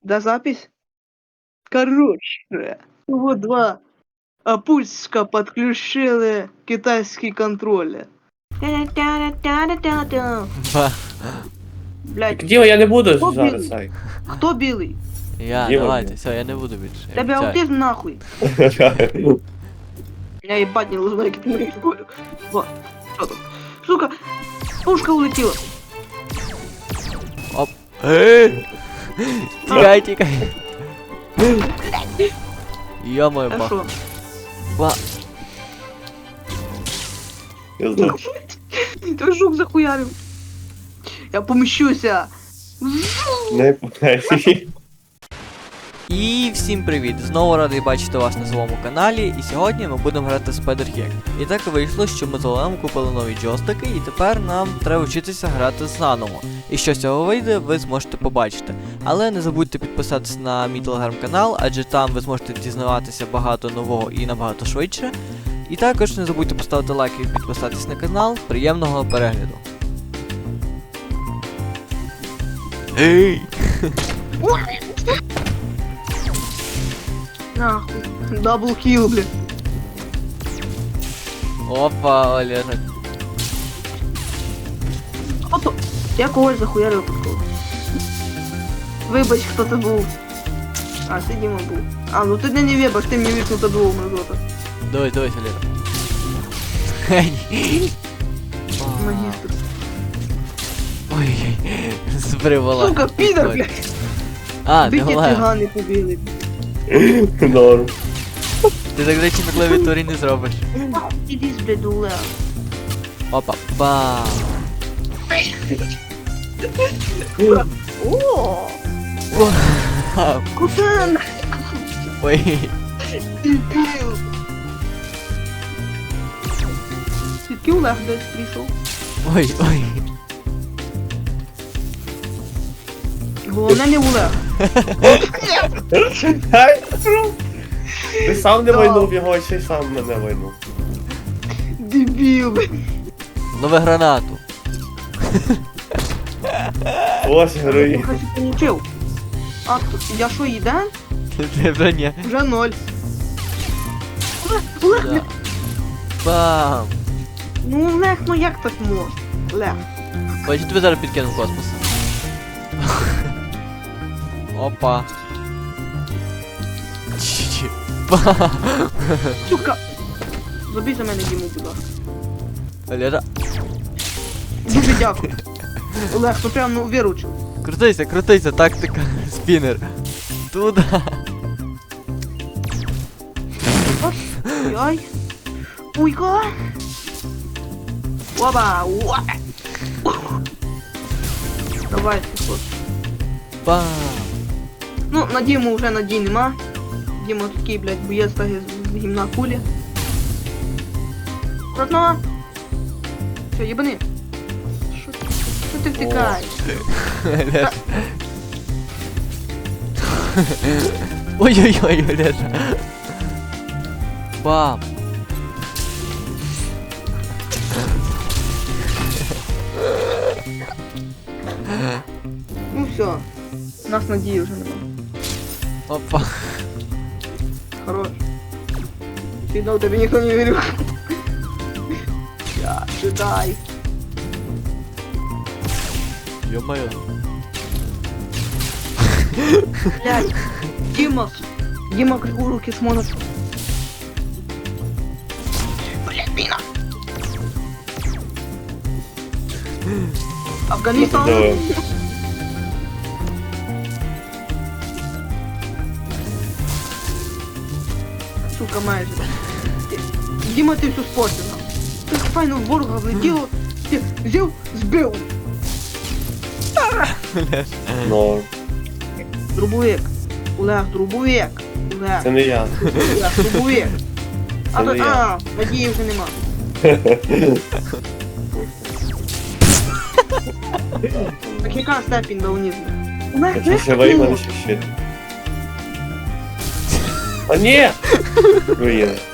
Да, запись? Короче, вот два опуська подключили китайский контроль. Ба. Блять, Діма, я не буду Хто зараз білий? цей. кто белый? Я, Діма, давайте, блін. все, я не буду більше. Я Тебя обіцяю. аутизм нахуй. Я ебать не знаю, как ты говорю. Вот, что тут? Сука, пушка улетела. Оп. Ей! Тікай, тікай. Йо-моє, А бах. шо? Ба. Я знаю. Ты жук захуярил. Я помещуся. Не пам'ятаю. І всім привіт! Знову радий бачити вас на своєму каналі, і сьогодні ми будемо грати Spider-Hack. І так вийшло, що ми з Олегом купили нові джойстики, і тепер нам треба вчитися грати заново. І що з цього вийде, ви зможете побачити. Але не забудьте підписатися на мій телеграм-канал, адже там ви зможете дізнаватися багато нового і набагато швидше. І також не забудьте поставити лайк і підписатись на канал. Приємного перегляду! Ей! Нахуй. Даблкил, блин. Опа, Олежик. Опа. Я когось захуярив випадково. Вибач, хто це був. А, це Діма був. А, ну ти не вибач, ти мені вікнуто двох мразота. Дивись, дивись, Олежик. Геній. Магістр. Ой, збривала. Сука, підар, блядь. А, не Дикі Олег. цигани побили. Норм. Ти так речі на клавіатурі не зробиш. Іди з блядь, Олег. Опа, бам. О, Вау. куда Ой, дебіл? Звідки Олег десь прийшов? ой, ой. Головне не Олег. Ти сам не войнув його, чи сам мене войнув. Дебіл, блядь. Нове гранату. Ось герої. Короче, получив. А, я що, їден? Ти вже ні. Вже 0. Олег, Да. блядь. Бам. Ну Олег, ну як так можна? Олег. Ой, я тебе зараз підкину в космос. Опа. Чі-чі. Бам. Сука. Забій за мене Діму, будь ласка. Олежа. Дуже дякую. Олег, ну прям ну виручив. Крутися, тактика. Спінер. Туда. Ой. Уйка. Опа. Опа. Давай, ход. Бам. Ну, на Діму вже надій нема. Діма такий, блядь, боєць так з гімна кулі. Родно. Все, єбани. Що ти втикаєш? Олежа. Ой-ой-ой, Олежа. Бам. Ну все. У нас надії вже нема. Опа. Хорош. Фидал, тебе никто не верил. Я джедай. Ё-моё. Блядь. Дима. Дима, как у руки смотрит. Блядь, мина. Афганистан. Да. Сука, майже. Дима, ти все спортив. Так файно в ворога влетіло, ти взяв, збив. Норм. Дробовик. Олег, дробовик. Олег, Це не я. Олег, дробовик. А, Це не я. а, надії вже нема. Так яка степінь даунізму? Олег, Я знаєш, ще живий, мене ще щит. А ні! Руїна.